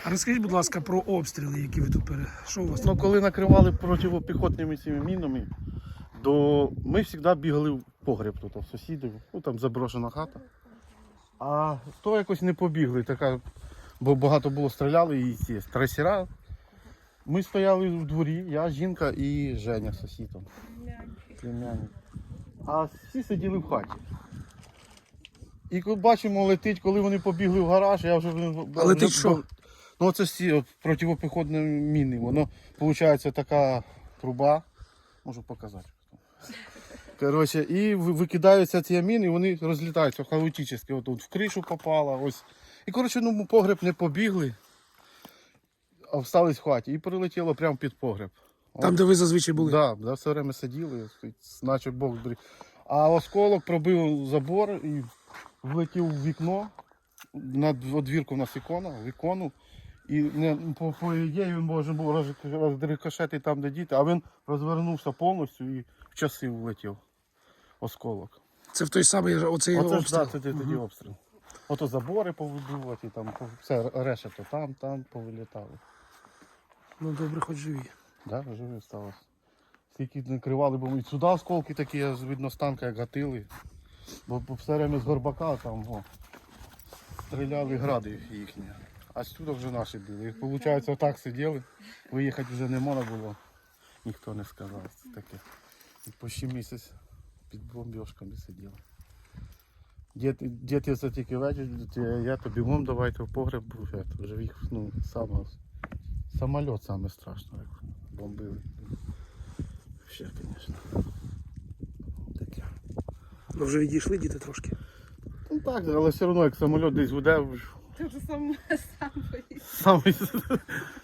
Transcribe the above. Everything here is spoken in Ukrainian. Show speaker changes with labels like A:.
A: А розкажіть, будь ласка, про обстріли, які ви тут Що у вас?
B: Ну, коли накривали протипіхотними цими мінами, то ми завжди бігали в погреб тут, у сусідів, ну там заброшена хата. А то якось не побігли, бо багато було стріляли і ці трасера. Ми стояли в дворі, я, жінка і Женя, сусідом. Племянник. А всі сиділи в хаті. І коли бачимо, летить, коли вони побігли в гараж, я вже...
A: А летить що?
B: Ну це всі протипіхотні міни, воно виходить така труба, можу показати. Коротше, і викидаються ці міни, і вони розлітаються хаотично. От в кришу попало, ось. І коротше, ну погреб не побігли, а встались в хаті і прилетіло прямо під погреб.
A: Там, де ви зазвичай були?
B: Так, да, все время сиділи, наче Бог беріг. А осколок пробив забор і влетів в вікно. На двірку у нас вікону. І по ідеї він може був розрикошетити там, де діти, а він розвернувся повністю і в часи влетів осколок.
A: Це в той самий оцей
B: Оце
A: обстріл?
B: ж, да, це тоді обстріл. Ото забори повибивати, там все решето там повилітало.
A: Ну добре, хоч живі.
B: Да, живі сталося. Скільки накривали, бо і сюди осколки такі, видно, з танка як гатили. Бо все время з Горбака там стріляли гради їхні. А сюди вже наші були. І виходить, отак сиділи, виїхати вже не можна було. Ніхто не сказав. Це таке. І почти місяць під бомбіжками сиділи. Діти це тільки вечір, я то бігом давайте в погреб був. Вже їх, самоліт саме страшно, як бомбили. Ще, звісно. Таке.
A: Ну вже відійшли діти трошки?
B: Ну так, але все одно, як самоліт десь гуде,
C: Ти вже сам боїшся.
B: сам